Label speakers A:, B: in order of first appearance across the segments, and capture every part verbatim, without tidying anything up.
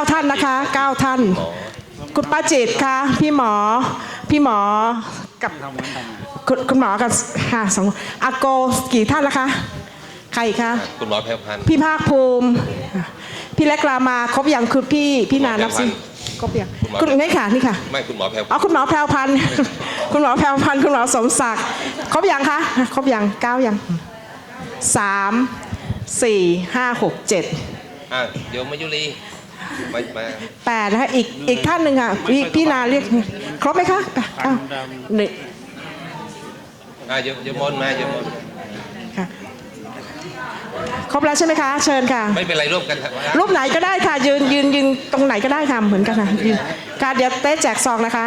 A: ท่านนะคะเก้าท่านคุณป้าจิตค่ะพี่หมอพี่หมอกับคุณคุณหมอกับค่ะสองอาโกกี่ท่านละคะใครคะ
B: คุณหมอแพรวพันธ์
A: พี่ภาคภูมิพี่เล็กรามาครบอย่างคือพี่พี่นานับสิครบอย่างคุณนี่ค่ะนี่ค่ะ
B: ไม่คุณหมอแพรว
A: อ๋อคุณหมอแพรวพันธ์คุณหมอแพรวพันธ์คุณหมอสมศักดิ์ครบอย่างคะครบอย่างเก้าอย่างสามสี่ห้าหกเจ็ด
B: อ่ะเดี๋ยวมายุรีมามา
A: แปดนะคะอีกอีกท่านหนึ่งค่ะพี่พี่นาเรียกครบไหมคะอ้าวหนึ่ง
B: อ่ะเดี๋ยวเดี๋ยวมนมาเดี๋ยวมน
A: ค่ะครบแล้วใช่ไหมคะเชิญค่ะ
B: ไม่เป็นไรร่วมกัน
A: รูปไหนก็ได้ค่ะยืนยืนยืนตรงไหนก็ได้ค่ะเหมือนกันค่ะยืนค่ะเดี๋ยวเต้แจกซองนะคะ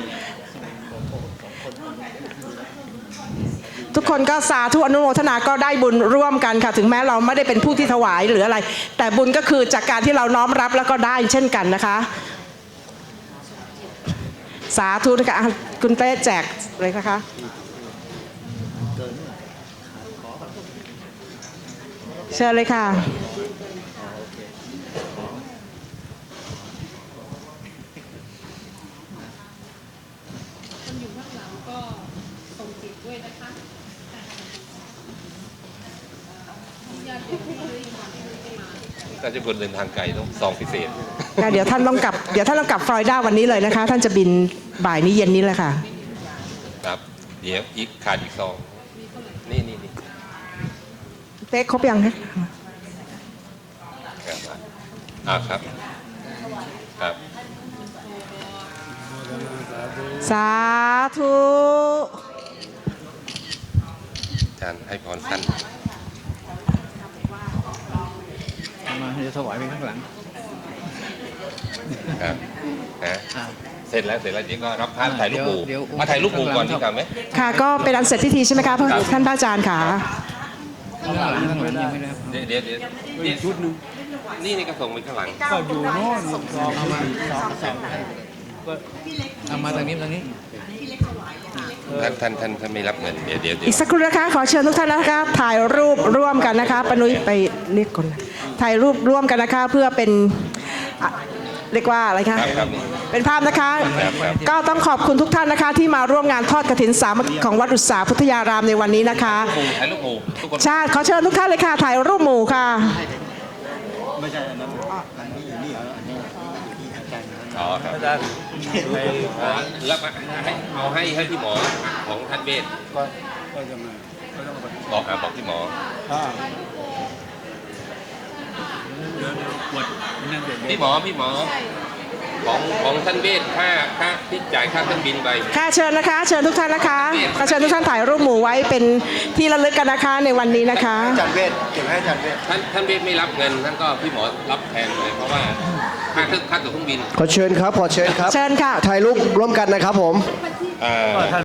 A: ทุกคนก็สาธุอนุโมทนาก็ได้บุญร่วมกันค่ะถึงแม้เราไม่ได้เป็นผู้ที่ถวายหรืออะไรแต่บุญก็คือจากการที่เราน้อมรับแล้วก็ได้เช่นกันนะคะสาธุนะคะคุณเต้แจกเลยนะคะเชิญเลยค่ะ
B: ถ้าจะคนเดินทางไกลต้องซองพิเศษ
A: เดี๋ยวท่านต้องกลับเดี๋ยวท่านต้องกลับฟลอริดาวันนี้เลยนะคะท่านจะบินบ่ายนี้เย็นนี้เลยค่ะ
B: ครับเดี๋ยวอีกขาดอีกซองนี่นี่นี่
A: เต๊กครบยังคะ
B: อ่าครับครับ
A: สาธุ
B: อาจารย์ให้พรท่าน
C: มาจะถวายไปข้างหลัง
B: ครับนะเสร็จแล้วเสร็จแล้วเดี๋ยวก็รับพระถ่ายรูปหมู่มาถ่ายรูปหมู่ก่อนดีกว่าไหม
A: ค่ะก็เป็นอันเสร็จพิธีใช่ไหมคะท่านพระอาจารย์ค่ะ
C: ข้างหลังข้างหลังยังไม่ได้
B: เดี๋ยวเดี๋ยวเดี๋ยวนี่ชุดนึงนี่นี่ก็ส่งไปข้างหลัง
C: ก็อยู่โน่นเอามาเอามาทางนี้ทางนี้
B: ท่านท่านท่านท่านไม่รับเงินเดี๋ยวเดี๋ยว
A: อีกสักครู่นะคะขอเชิญทุกท่านนะคะถ่ายรูปร่วมกันนะคะปนุ้ยไปเรียกคนถ่ายรูปร่วมกันนะคะเพื่อเป็นเรียกว่าอะไรคะเป็นภาพนะคะก็ต้องขอบคุณทุกท่านนะคะที่มาร่วมงานทอดกฐินสามัคคีของวัดอุตสาพุทธยารามในวันนี้นะคะ
B: ถ่ายรูปหมู่ทุกคน
A: ใช่ขอเชิญทุกท่านเลยค่ะถ่ายรูปหมู่ค่ะ
C: ไม่ใช่อันนั้นอันนี้อยู่นี่อันนี้อาจารย์
B: อ๋อครับอาจารย์แล้วให้เอาให้ให้ที่หมอของท่านเวช
C: ก็ก็จะมา
B: บอกอ่าบอกที่หมอพี่หมอพี่หมอของของท่านเวชค่าค่าที่จ่ายค่าเครื่องบินไป
A: ค่ะเชิญนะคะเชิญทุกท่านนะคะขอเชิญทุกท่านถ่ายรูปหมู่ไว้เป็นที่ระลึกกันนะคะในวันนี้นะคะ
C: อาจารย์เวชเก็บให้อาจารย์เวช
B: ท่านท่านเวชไม่รับเงินท่านก็พี่หมอรับแทนเลยเพราะว่าค่าเครื่องค่าตั๋วเครื่องบิน
D: ขอเชิญครับขอเชิญครับ
A: เชิญค่ะ
D: ถ่ายรูปร่วมกันนะครับผม